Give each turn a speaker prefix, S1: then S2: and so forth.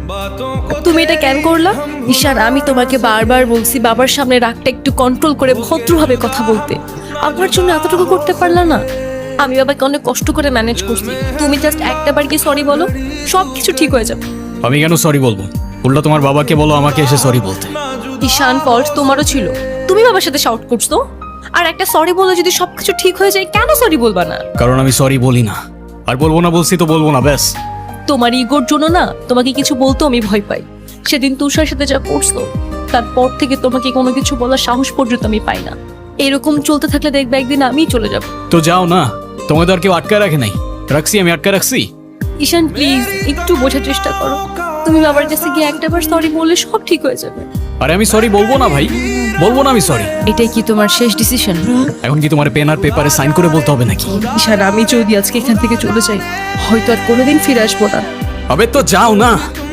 S1: তুমি এটা কেন করলা? ঈশান, আমি তোমাকে বারবার বলছি বাবার সামনে রাগটা একটু কন্ট্রোল করে ভদ্রভাবে কথা বলতে। আমার জন্য এতটুকু করতে পারলা না? আমি বাবাকে অনেক কষ্ট করে ম্যানেজ করছি। তুমি জাস্ট একটা বার কি সরি বলো, সব কিছু ঠিক হয়ে যাবে।
S2: আমি কেন সরি বলবো? উল্টা তোমার বাবাকে বলো আমাকে এসে সরি বলতে।
S1: ঈশান, ফল্ট তোমারও ছিল। তুমি বাবার সাথে শাউট করছো। আর একটা সরি বলে যদি সবকিছু ঠিক হয়ে যায়, কেন সরি বলবা না?
S2: কারণ আমি সরি বলি না, আর বলবো না, বলছি তো বলবো না, ব্যাস।
S1: তোমার ইগোর জন্য না তোমাকে কিছু বলতে আমি ভয় পাই। সেদিন তুষার সাথে যা করছো, তারপর থেকে তোমাকে কোনো কিছু বলার সাহস পর্যন্ত আমি পাই না। এরকম চলতে থাকলে দেখবে একদিন আমিই চলে যাব।
S2: তো যাও না, তোমাদের আর কেউ আটকায় রাখে নাই। রাখছি, আমি আটকায় রাখছি।
S1: ঈশান প্লিজ একটু বোঝার চেষ্টা করো। তুমি বাবার কাছে গিয়ে একটাবার সরি বললে সব ঠিক হয়ে যাবে।
S2: আরে আমি সরি বলবো না ভাই, বলবো না আমি সরি।
S1: এটাই কি তোমার শেষ ডিসিশন?
S2: এখন কি তোমার পেন আর পেপারে সাইন করে বলতে হবে নাকি?
S1: ঈশান, আমি যদি আজকে এখান থেকে চলে যাই, হয়তো আর কোনোদিন ফিরে আসবো না।
S2: হবে তো যাও না।